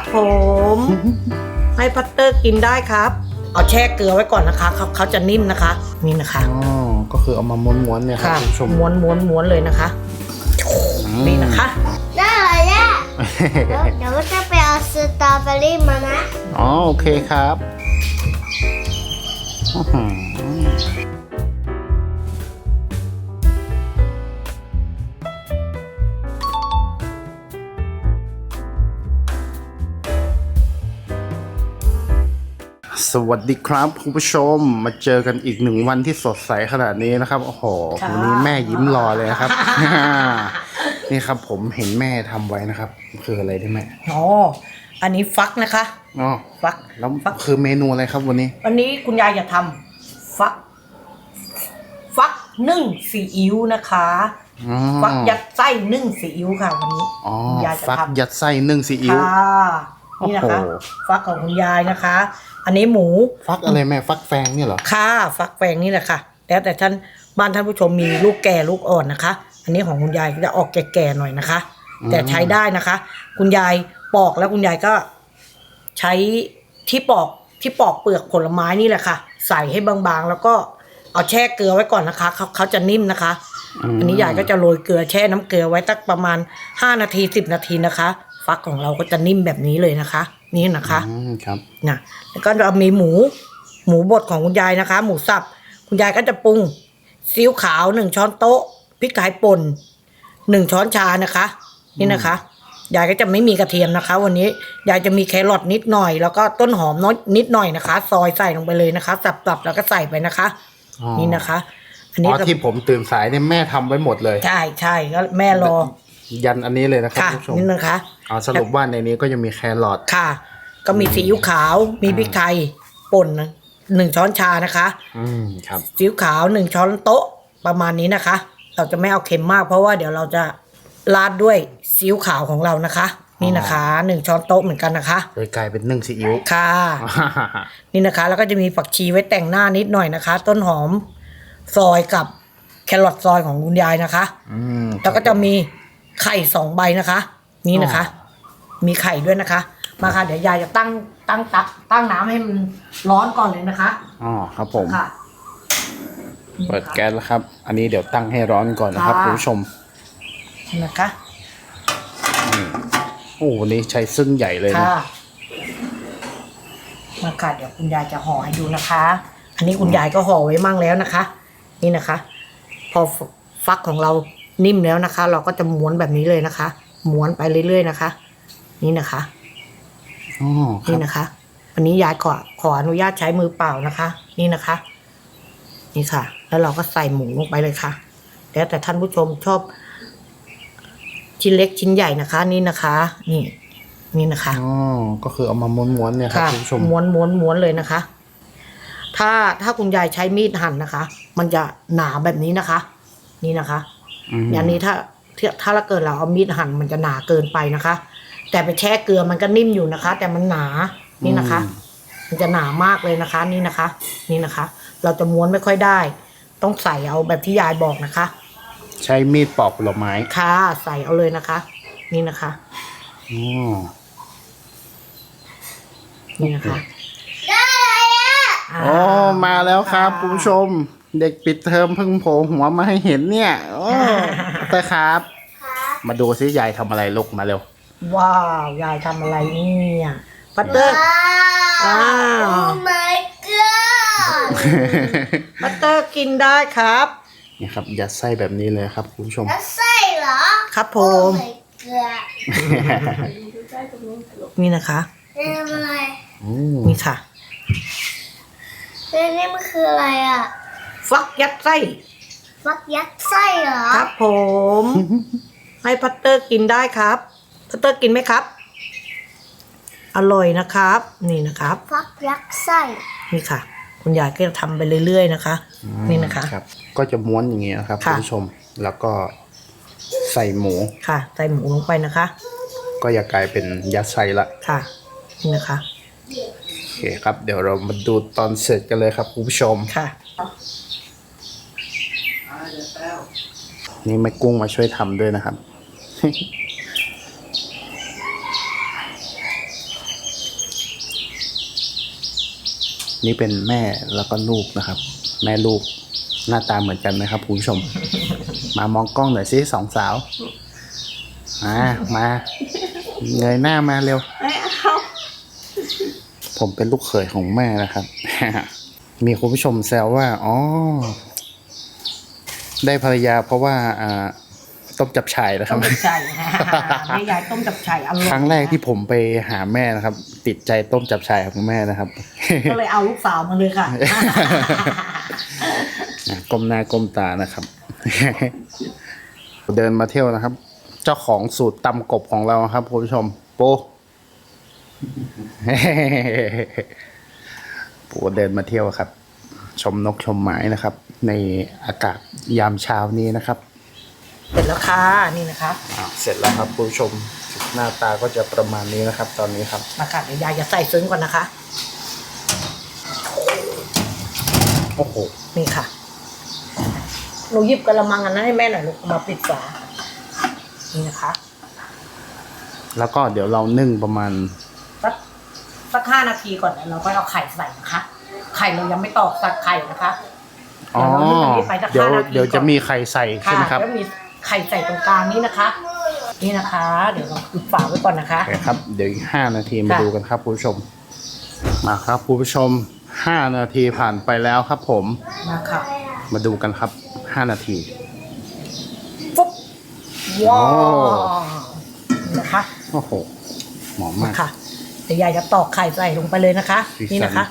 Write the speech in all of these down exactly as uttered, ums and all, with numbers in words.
ครับผมให้พัตเตอร์กินได้ครับเอาแช่เกลือไว้ก่อนนะคะเขาเขาจะนิ่มนะคะนี่นะคะอ๋อก็คือเอามาม้วนๆเนี่ยครับคุณผู้ชมม้วนม้วนม้วนเลยนะคะนี่นะคะได้เลยเนี่ยเดี๋ยวก็จะไปเอาสตรอเบอรี่มานะอ๋อโอเคครับสวัสดีครับคุณผู้ชมมาเจอกันอีกหนึ่งวันที่สดใสขนาดนี้นะครับโอ้โหวันนี้แม่ยิ้มรอเลยครับ นี่ครับผมเห็นแม่ทำไว้นะครับคืออะไรได้ไหมอ๋ออันนี้ฟักนะคะอ๋อฟักแล้วคือเมนูอะไรครับวันนี้วันนี้คุณยายจะทำฟักฟักนึ่งซีอิ๊วนะคะฟักยัดไส้นึ่งซีอิ๊วค่ะวันนี้อ๋อฟักยัดไส้นึ่งซีอิ๊วนี่นะคะฟักของคุณยายนะคะอันนี้หมูฟักอะไรแม่ฟักแฟงเนี่ยเหรอค่ะฟักแฟงนี่แหละค่ะแล้วแต่ท่านบ้านท่านผู้ชมมีลูกแก่ลูกอ่อนนะคะอันนี้ของคุณยายจะออกแก่ๆหน่อยนะคะแต่ใช้ได้นะคะคุณยายปอกแล้วคุณยายก็ใช้ที่ปอกที่ปอกเปลือกผลไม้นี่แหละค่ะใส่ให้บางๆแล้วก็เอาแช่เกลือไว้ก่อนนะคะเขาเขาจะนิ่มนะคะอันนี้ยายก็จะโรยเกลือแช่น้ำเกลือไว้สักประมาณห้านาทีสิบนาทีนะคะฟักของเราก็จะนิ่มแบบนี้เลยนะคะนี่นะคะครับนะแล้วก็เรามีหมูหมูบดของคุณยายนะคะหมูสับคุณยายก็จะปรุงซีอิ๊วขาวหนึ่งช้อนโต๊ะพริกไทยป่นหนึ่งช้อนชานะคะนี่นะคะยายก็จะไม่มีกระเทียมนะคะวันนี้ยายจะมีแครอทนิดหน่อยแล้วก็ต้นหอมน้อยนิดหน่อยนะคะซอยใส่ลงไปเลยนะคะสับๆแล้วก็ใส่ไปนะคะนี่นะคะอันนี้ที่ผมตื่นสายเนี่ยแม่ทำไว้หมดเลยใช่ใช่ก็แม่รอยันอันนี้เลยนะครับผู้ชมนี่นะคะอ๋อสรุปว่าในนี้ก็ยังมีแครอทค่ะก็มีซีอิ๊วขาวมีพริกไทยป่นหนึ่งช้อนชานะคะอืมครับซีอิ๊วขาวหนึ่งช้อนโต๊ะประมาณนี้นะคะเราจะไม่เอาเค็มมากเพราะว่าเดี๋ยวเราจะราดด้วยซีอิ๊วขาวของเรานะคะนี่นะคะหนึ่งช้อนโต๊ะเหมือนกันนะคะโดยกลายเป็นนึ่งซีอิ๊วค่ะ นี่นะคะแล้วก็จะมีผักชีไว้แต่งหน้านิดหน่อยนะคะ ต้นหอมซอยกับแครอทซอยของคุณยายนะคะแล้วก็จะมีไข่สองใบนะคะนี่นะคะมีไข่ด้วยนะคะมาค่ะเดี๋ยวยายจะตั้งตั้งตักตั้งน้ำให้มันร้อนก่อนเลยนะคะอ๋อครับผมค่ะเปิดแก๊สแล้วครับอันนี้เดี๋ยวตั้งให้ร้อนก่อนนะครับคุณผู้ชมนะคะโอ้วันนี้ใช้ซึ่งใหญ่เลยนะมาค่ะเดี๋ยวคุณยายจะห่อให้ดูนะคะอันนี้คุณยายก็ห่อไว้มั่งแล้วนะคะนี่นะคะพอฟักของเรานิ่มแล้วนะคะ เราก็จะม้วนแบบนี้เลยนะคะม้วนไปเรื่อยๆนะคะนี่นะคะอ๋อนี่นะคะวันนี้ยายขอขออนุญาตใช้มือเปล่านะคะนี่นะคะนี่ค่ะแล้วเราก็ใส่หมูลงไปเลยค่ะแล้วแต่ท่านผู้ชมชอบชิ้นเล็กชิ้นใหญ่นะคะนี่นะคะนี่นี่นะคะอ๋อก็คือเอามาม้วนๆเนี่ยครับคุณผู้ชมม้วนม้วนม้วนเลยนะคะถ้าถ้าคุณยายใช้มีดหั่นนะคะมันจะหนาแบบนี้นะคะนี่นะคะอย่างนี้ถ้าถ้าเราเกิดเราเอามีดหั่นมันจะหนาเกินไปนะคะแต่ไปแช่เกลือมันก็นิ่มอยู่นะคะแต่มันหนานี่นะคะมันจะหนามากเลยนะคะนี่นะคะนี่นะคะเราจะม้วนไม่ค่อยได้ต้องใส่เอาแบบที่ยายบอกนะคะใช้มีดปอกผลไม้ค่ะใส่เอาเลยนะคะนี่นะคะอ๋อนี่นะคะอ๋อมาแล้วครับคุณผู้ชมเด็กปิดเทอมเพิ่งโผล่หัวมาให้เห็นเนี่ยโอ้แต่ครับมาดูซิยายทำอะไรลูกมาเร็วว้าวยายทำอะไรเนี่ยปัตเตอร์อ้าว Oh my god ปัตเตอร์กินได้ครับนี่ครับยัดไส้แบบนี้เลยครับคุณผู้ชมยัดไส้เหรอครับผม Oh my god นี่นะคะนี่อะไรนี่ค่ะนี่มันคืออะไรอ่ะฟักยัดไส้ฟักยัดไส้เหรอครับผมให้พัตเตอร์กินได้ครับพัตเตอร์กินไหมครับอร่อยนะครับนี่นะครับฟักยัดไส้นี่ค่ะคุณยายก็จะทำไปเรื่อยๆนะคะนี่นะคะครับก็จะม้วนอย่างนี้นะครับคุณผู้ชมแล้วก็ใส่หมูค่ะใส่หมูลงไปนะคะก็จะกลายเป็นยัดไส้ละค่ะนี่นะคะโอเคครับเดี๋ยวเรามาดูตอนเสร็จกันเลยครับคุณผู้ชมค่ะนี่แม่กุ้งมาช่วยทำด้วยนะครับนี่เป็นแม่แล้วก็ลูกนะครับ แม่ลูกหน้าตาเหมือนกันไหมครับคุณผู้ชม มามองกล้องหน่อยสิสองสาวมามาเงยหน้ามาเร็วไม่เอาผมเป็นลูกเขยของแม่นะครับ มีคุณผู้ชมแซวว่าอ๋อได้ภรรยาเพราะว่าอ่าต้มจับฉ่ายนะคต้รับมจับฉ่ายแม่ยายต้มจับฉ่ายอร่อยครั้งแรกที่ผมไปหาแม่นะครับ ติดใจต้มจับฉ่ายของแม่นะครับก็เลยเอาลูกสาวมาเลยค่ะก้มหน้าก้มตานะครับ เดินมาเที่ยวนะครับ เจ้าของสูตรตำกบของเราครับคุณผู้ชมโป ปูเดินมาเที่ยวครับ ชมนกชมไม้นะครับ ในอากาศยามเช้านี้นะครับเสร็จแล้วค่ะนี่นะคะอ่าเสร็จแล้วครับคุณผู้ชมหน้าตาก็จะประมาณนี้นะครับ ตอนนี้ครับมาค่ะเดี๋ยวยายจะใส่ซึ้งก่อนนะคะโอ้โหนี่ค่ะหนูหยิบกระมังอันนั้นให้แม่หน่อยลูกมาปิดฝานี่นะคะแล้วก็เดี๋ยวเรานึ่งประมาณสักสักห้านาทีก่อนแล้วเราก็เอาไข่ใส่นะคะ ไข่เรายังไม่ตอกสักไข่นะคะอ๋อเดี๋ยวเรานึ่งอันนี้ไปสักเดี๋ยวห้านาทีเดี๋ยวจะมีไข่ใส่ใช่ไหมครับแล้วมีไข่ใส่ตรงกลางนี้นะคะ นี่นะคะ เดี๋ยวเราปิดฝาไว้ก่อนนะคะโอเคครับ เดี๋ยวอีกห้านาทีมาค่ะดูกันครับคุณผู้ชม มาครับคุณผู้ชมห้านาทีผ่านไปแล้วครับผมมาค่ะมาดูกันครับห้านาทีฟุ๊บว้าโอ้วนี่นะคะโอ้โหหอมมากค่ะเดี๋ยวยายจะตอกไข่ใส่ลงไปเลยนะคะสีสันนี่นะคะ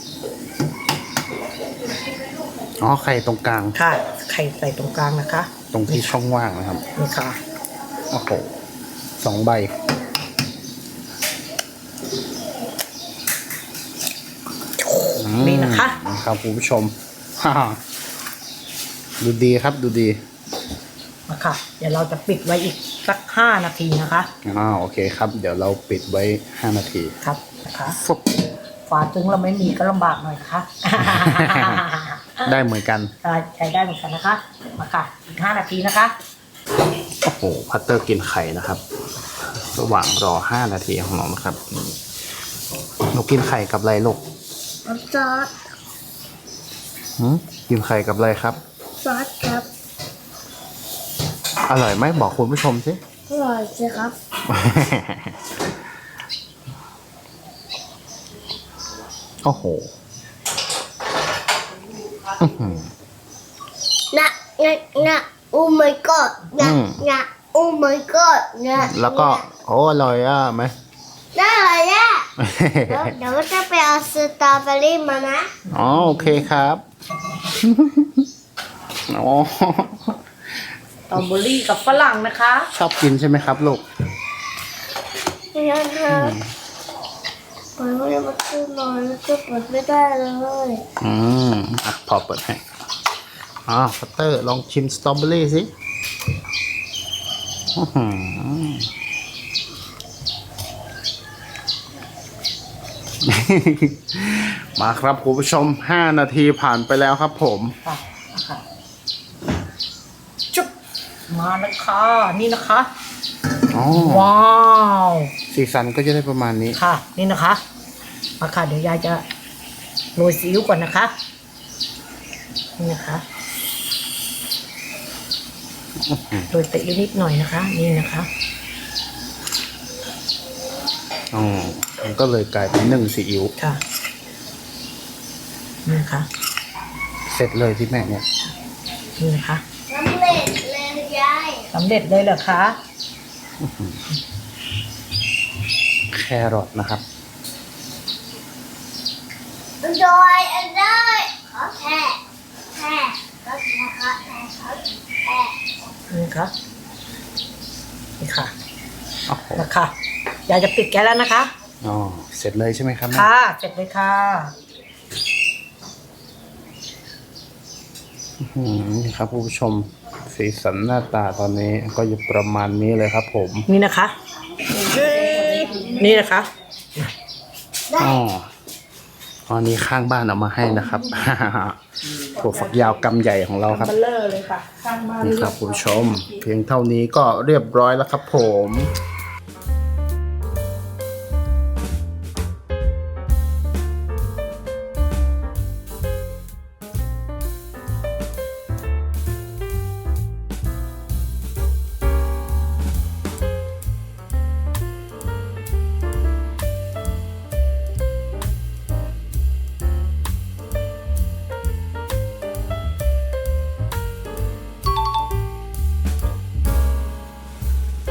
อ๋อไข่ตรงกลางค่ะ ไข่ใส่ตรงกลางนะคะตรงที่ช่องว่างนะครับนี่ค่ะโอ้โหสองใบนี่นะคะอืมครับคุณผู้ชม ฮ่าดูดีครับดูดีมาค่ะ เดี๋ยวเราจะปิดไว้อีกสักห้านาทีนะคะอ่าโอเคครับ เดี๋ยวเราปิดไว้ห้านาทีครับนะคะฟุบฝาถึงเราไม่มีก็ลำบากหน่อยนะคะได้เหมือนกันได้ใช้ได้เหมือนกันนะคะ มาค่ะ อีกห้านาทีนะคะโอ้โหพัตเตอร์กินไข่นะครับ ระหว่างรอห้านาทีของน้องนะครับหนูกินไข่กับอะไรลูกซอสหืมกินไข่กับอะไรครับซอสครับอร่อยไหมบอกคุณผู้ชมสิอร่อยสิครับโอ้โหอื้อหือนะนะนะโอ้ my god นะอืมนะโอ้ my god นะแล้วก็โอ้อร่อยอ่ะไหมได้เลยอ่ะเดี๋ยวเดี๋ยวก็จะไปเอาสตรอเบอรี่มานะอ๋อโอเคครับ อ๋อสตรอเบอรี่กับฝรั่งนะคะชอบกินใช่ไหมครับลูกไม่ใช่ครับเปิดไม่ได้มาซื้อหน่อยแล้วก็เปิดไม่ได้เลยอืมอ่ะพอเปิดให้อ๋อพัตเตอร์ลองชิมสตรอเบอรี่สิอื้อหือ มาครับคุณผู้ชมห้านาทีผ่านไปแล้วครับผมค่ะค่ะจุ๊บมาแล้วค่ะ นี่นะคะอ๋อว้าวสีสันก็จะได้ประมาณนี้ค่ะ นี่นะคะ มาค่ะ เดี๋ยวยายจะโรยซีอิ๊วก่อนนะคะ นี่นะคะโรยซีอิ๊วนิดหน่อยนะคะ นี่นะคะอ๋อมันก็เลยกลายเป็นนึ่งซีอิ๊วค่ะ นี่นะคะเสร็จเลยที่แม่เนี่ยนี่นะคะสำเร็จเลยยายสำเร็จเลยเหรอคะแครอทนะครับโดยอันได้ขอแค่แค่ก็แค่ขอแค่ขอแค่นี่ค่ะ นี่ค่ะโอ้โหนะคะยายจะปิดแก๊สแล้วนะคะอ๋อเสร็จเลยใช่ไหมครับแม่ค่ะ เสร็จเลยค่ะอืมนี่ครับคุณผู้ชมสีสันหน้าตาตอนนี้ก็อยู่ประมาณนี้เลยครับผมนี่นะคะ นี่นะคะอ๋ออันนี้ข้างบ้านเอามาให้นะครับ ถั่วฝักยาวกำใหญ่ของเราครับเบลเลอร์เลยค่ะข้างบ้านนี่ครับคุณผู้ชม เพียงเท่านี้ก็เรียบร้อยแล้วครับผม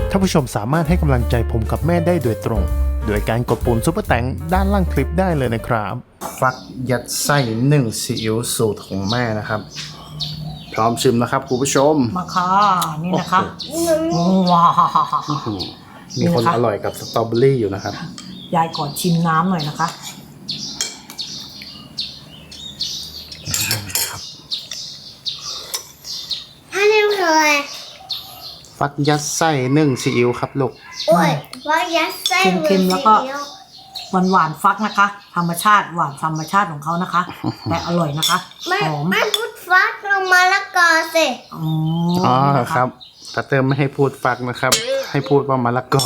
ท่านผู้ชมสามารถให้กำลังใจผมกับแม่ได้โดยตรง โดยการกดปุ่มซุปเปอร์แตงด้านล่างคลิปได้เลยนะครับฟักยัดไส้นึ่งซีอิ๊วสูตรของแม่นะครับ พร้อมชิมนะครับคุณผู้ชมมาค่ะนี่นะคะว้าวมีคนอร่อยกับสตรอเบอรี่อยู่นะครับยายก่อนชิมน้ำหน่อยนะคะถ้าเรียกเลยฟักยัดไส้นึ่งซีอิ๊วครับลูกโอ้ยว่ายัดไส้เค็มๆแล้วก็ หวานหวานๆฟักนะคะ ธรรมชาติหวานธรรมชาติของเขานะคะ แต่อร่อยนะคะไม่หอมไม่พูดฟักลงมาละกอสิอ๋ออ๋อนี่นะะครับแต่เติมไม่ให้พูดฟักนะครับ ให้พูดว่ามะละกอ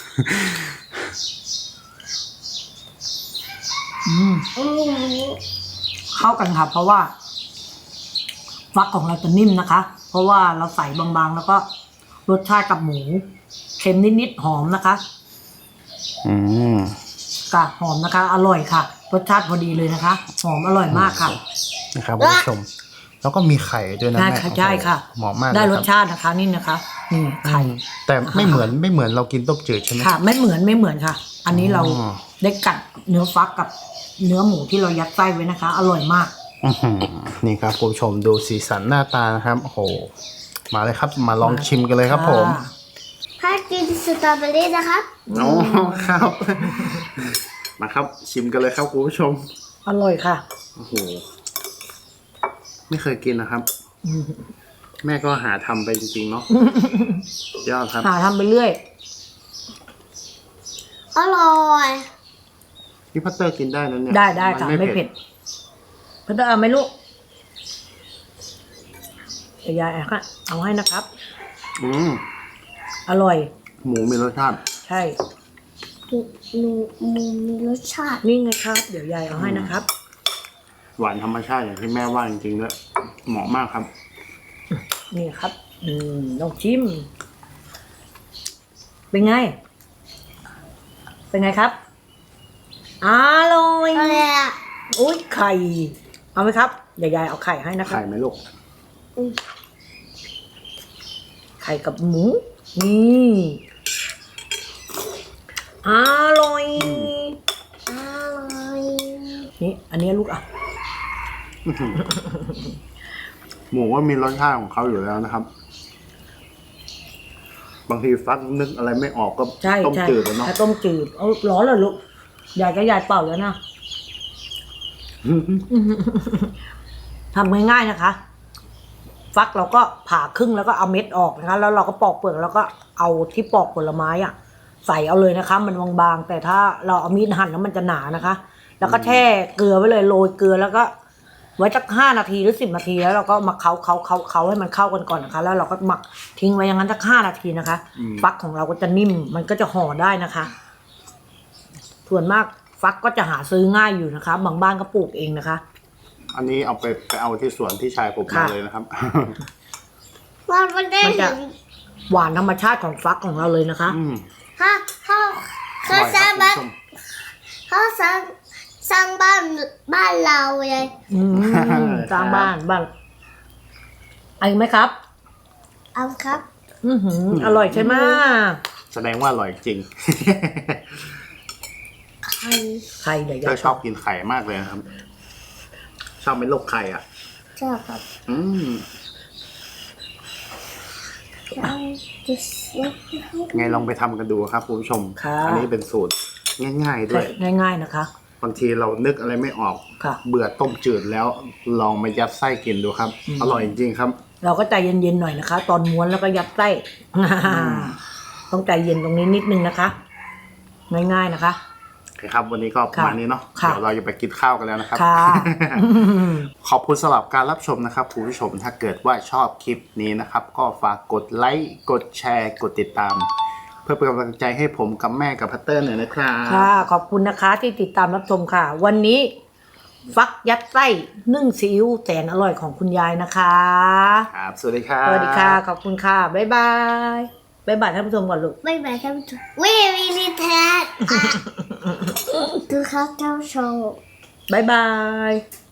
อืมอืมเข้ากันค่ะ เพราะว่า ฟักของเราจะนิ่มนะคะ เพราะว่าเราใส่บางๆ แล้วก็รสชาติกับหมูเค็มนิดๆหอมนะคะอืมกะหอมนะคะ อร่อยค่ะ รสชาติพอดีเลยนะคะ หอมอร่อยมากค่ะนะครับคุณผู้ชม แล้วก็มีไข่ด้วยนะใช่แม่ค่ะใช่ค่ะเหมาะมากได้เลยรคสบชาตินะคะ นี่นะคะนี่ไข่แต่ไม่เหมือนไม่เหมือนเรากินต้มจืดใช่ไหมค่ะ ไม่เหมือนไม่เหมือนค่ะ อันนี้เราอ๋อได้กัดเนื้อฟักกับเนื้อหมูที่เรายัดไส้ไว้นะคะ อร่อยมากอื้อหือนี่ครับคุณผู้ชมดูสีสันหน้าตานะครับโอ้โหมาเลยครับมาลองชิมกันเลยครับผมถ้ากินสตรอเบอรี่นะครับโอ้ครับ มาครับชิมกันเลยครับคุณผู้ชมอร่อยค่ะโอ้โหไม่เคยกินนะครับ แม่ก็หาทำไปจริงๆเนาะยอดครับหาทำไปเรื่อยอร่อยพี่พัตเตอร์กินได้นะเนี่ยได้ได้ค่ะนไม่เผ็ดเพื่อนเอาไหมลูกเดี๋ยวยายเอาค่ะเอาให้นะครับอืมอร่อยหมูมีรสชาติใช่มีมีมีมีรสชาตินี่ไงครับ เดี๋ยวยายเอาให้นะครับหวานธรรมชาติอย่างที่แม่ว่าจริงๆด้วยเหมาะมากครับนี่ครับ อืมลองชิม เป็นไง เป็นไงครับ อร่อยอะไรอ่ะอุ้ยไข่ เอาไหมครับ เดี๋ยวยายเอาไข่ให้นะครับไข่ไหมลูกไข่กับหมู นี่อร่อยอร่อยนี่ อันนี้ลูกอ่ะหมูว่ามีรสชาติของเขาอยู่แล้วนะครับ บางทีฟักนึกอะไรไม่ออกก็ใช่ต้มใช่จืดอะเนาะถ้าต้มจืดเอาร้อนเลยลูกยายก็ยายเป่าแล้วนะ ทำง่ายๆนะคะ ฟักเราก็ผ่าครึ่งแล้วก็เอาเม็ดออกนะคะ แล้วเราก็ปอกเปลือกแล้วก็เอาที่ปอกผลไม้อ่ะ ใส่เอาเลยนะคะ มันบางๆแต่ถ้าเราเอามีดหั่นแล้วมันจะหนานะคะ แล้วก็แช่เกลือไว้เลยโรยเกลือแล้วก็ ไว้สักห้านาทีหรือสิบนาทีแล้วเราก็มาเคาเคาเคาเคาให้มันเข้ากันก่อนนะคะ แล้วเราก็หมักทิ้งไว้อย่างนั้นสักห้านาทีนะคะ ฟักของเราก็จะนิ่มมันก็จะห่อได้นะคะ ส่วนมากฟักก็จะหาซื้อง่ายอยู่นะคะ บางบ้านก็ปลูกเองนะคะอันนี้เอาไปไปเอาที่สวนที่ชายผมมาค่ะเลยนะครับว่ามันได้มันเห็จะนหวานธรรมชาติของฟักของเราเลยนะคะอืมถ้าถ้าอเขาร่อยสคร้ารังบคุณบ้านผู้ชมเขาสร้างสร้างบ้านบ้านเราเลยอืมสร้างบ้านบ้านไอ้ไหมครับเอาครับอือหืออร่อยใช่ไหมแสดงว่าอร่อยจริงไข่ใครเดี๋ยวเธยาอย ชอบกินไข่มากเลยนะครับ ชอบเป็นโรคไข่อ่ะชอบครับอืมชอบจะเสียไงลองไปทำกันดูครับคุณผู้ชมค่ะอันี้เป็นสูตรง่ายๆด้วยง่ายๆนะคะบางทีเรานึกอะไรไม่ออกค่ะเบื่อต้มจืดแล้วลองมายัดไส้กินดูครับอืมอร่อยจริงๆครับเราก็ใจเย็นๆหน่อยนะคะ ตอนม้วนแล้วก็ยัดไส้ ต้องใจเย็นตรงนี้นิดนึงนะคะ ง่ายๆนะคะโอเคครับ วันนี้ก็ประมาณนี้เนาะค่ะเดี๋ยวเราจะไปกินข้าวกันแล้วนะครับค่ะขอบคุณสำหรับการรับชมนะครับคุณผู้ชมถ้าเกิดว่าชอบคลิปนี้นะครับ ก็ฝากกดไลค์กดแชร์กดติดตาม เพื่อเป็นกำลังใจให้ผมกับแม่กับพัตเตอร์หน่อยนะครับค่ะ ขอบคุณนะคะที่ติดตามรับชมค่ะ วันนี้ ฟักยัดไส้นึ่งซีอิ๊วแสนอร่อยของคุณยายนะคะครับสวัสดีครับสวัสดีค่ะ ขอบคุณค่ะ บ๊ายบาย บ๊ายบายท่านผู้ชมก่อนลูกไม่แบ่งท่านผู้ชมวิวิลิแทนดูครับเจ้าโชว์บ๊ายบาย